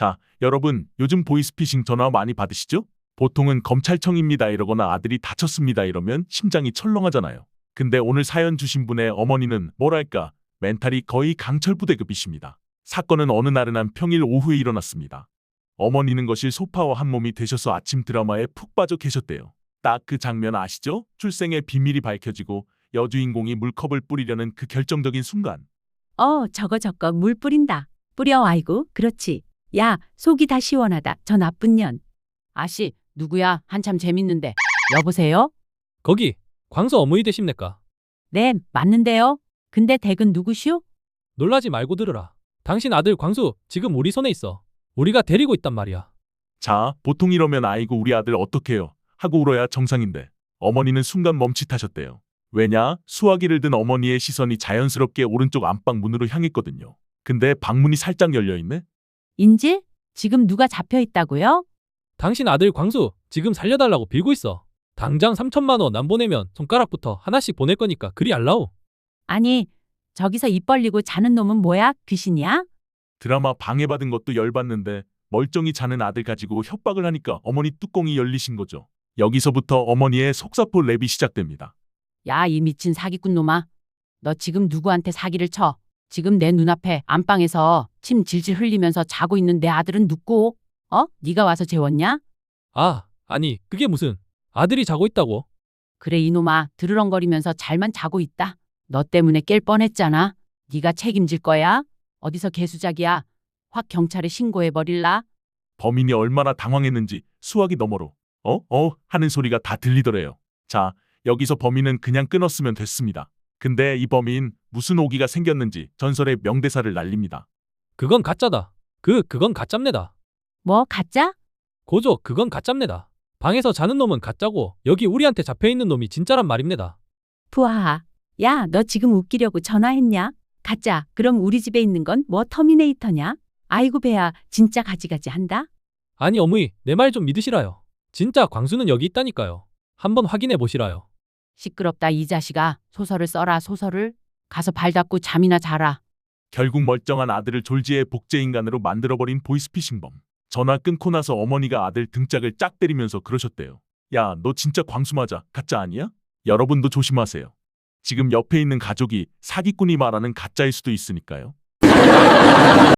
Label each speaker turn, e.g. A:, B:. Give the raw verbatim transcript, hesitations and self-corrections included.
A: 자, 여러분, 요즘 보이스피싱 전화 많이 받으시죠? 보통은 검찰청입니다 이러거나 아들이 다쳤습니다 이러면 심장이 철렁하잖아요. 근데 오늘 사연 주신 분의 어머니는 뭐랄까, 멘탈이 거의 강철부대급이십니다. 사건은 어느 나른한 평일 오후에 일어났습니다. 어머니는 거실 소파와 한 몸이 되셔서 아침 드라마에 푹 빠져 계셨대요. 딱 그 장면 아시죠? 출생의 비밀이 밝혀지고 여주인공이 물컵을 뿌리려는 그 결정적인 순간.
B: 어, 저거 저거 물 뿌린다. 뿌려, 아이고, 그렇지. 야, 속이 다 시원하다. 저 나쁜 년.
C: 아씨, 누구야? 한참 재밌는데. 여보세요?
D: 거기 광수 어머니 되십니까?
B: 네, 맞는데요. 근데 댁은 누구시오?
D: 놀라지 말고 들으라. 당신 아들 광수 지금 우리 손에 있어. 우리가 데리고 있단 말이야.
A: 자, 보통 이러면 아이고 우리 아들 어떡해요 하고 울어야 정상인데 어머니는 순간 멈칫하셨대요. 왜냐? 수화기를 든 어머니의 시선이 자연스럽게 오른쪽 안방 문으로 향했거든요. 근데 방문이 살짝 열려있네?
B: 인질? 지금 누가 잡혀 있다고요?
D: 당신 아들 광수 지금 살려달라고 빌고 있어. 당장 삼천만 원 안 보내면 손가락부터 하나씩 보낼 거니까 그리 알라오.
B: 아니, 저기서 입 벌리고 자는 놈은 뭐야? 귀신이야?
A: 드라마 방해받은 것도 열받는데 멀쩡히 자는 아들 가지고 협박을 하니까 어머니 뚜껑이 열리신 거죠. 여기서부터 어머니의 속사포 랩이 시작됩니다.
C: 야, 이 미친 사기꾼 놈아. 너 지금 누구한테 사기를 쳐? 지금 내 눈앞에 안방에서 침 질질 흘리면서 자고 있는 내 아들은 누구? 어? 네가 와서 재웠냐?
D: 아, 아니 그게 무슨. 아들이 자고 있다고.
C: 그래 이놈아, 드르렁거리면서 잘만 자고 있다. 너 때문에 깰 뻔했잖아. 네가 책임질 거야? 어디서 개수작이야? 확 경찰에 신고해버릴라?
A: 범인이 얼마나 당황했는지 수화기 너머로 어? 어? 하는 소리가 다 들리더래요. 자, 여기서 범인은 그냥 끊었으면 됐습니다. 근데 이 범인 무슨 오기가 생겼는지 전설의 명대사를 날립니다.
D: 그건 가짜다. 그 그건 가짜입니다.
B: 뭐, 가짜?
D: 고조 그건 가짜입니다. 방에서 자는 놈은 가짜고 여기 우리한테 잡혀있는 놈이 진짜란 말입니다.
B: 부하하. 야, 너 지금 웃기려고 전화했냐? 가짜. 그럼 우리 집에 있는 건 뭐 터미네이터냐? 아이고 배야, 진짜 가지가지 한다?
D: 아니 어머니 내 말 좀 믿으시라요. 진짜 광수는 여기 있다니까요. 한번 확인해 보시라요.
C: 시끄럽다 이 자식아. 소설을 써라 소설을. 가서 발 닦고 잠이나 자라.
A: 결국 멀쩡한 아들을 졸지의 복제인간으로 만들어버린 보이스피싱범. 전화 끊고 나서 어머니가 아들 등짝을 짝 때리면서 그러셨대요. 야, 너 진짜 광수 맞아. 가짜 아니야? 여러분도 조심하세요. 지금 옆에 있는 가족이 사기꾼이 말하는 가짜일 수도 있으니까요.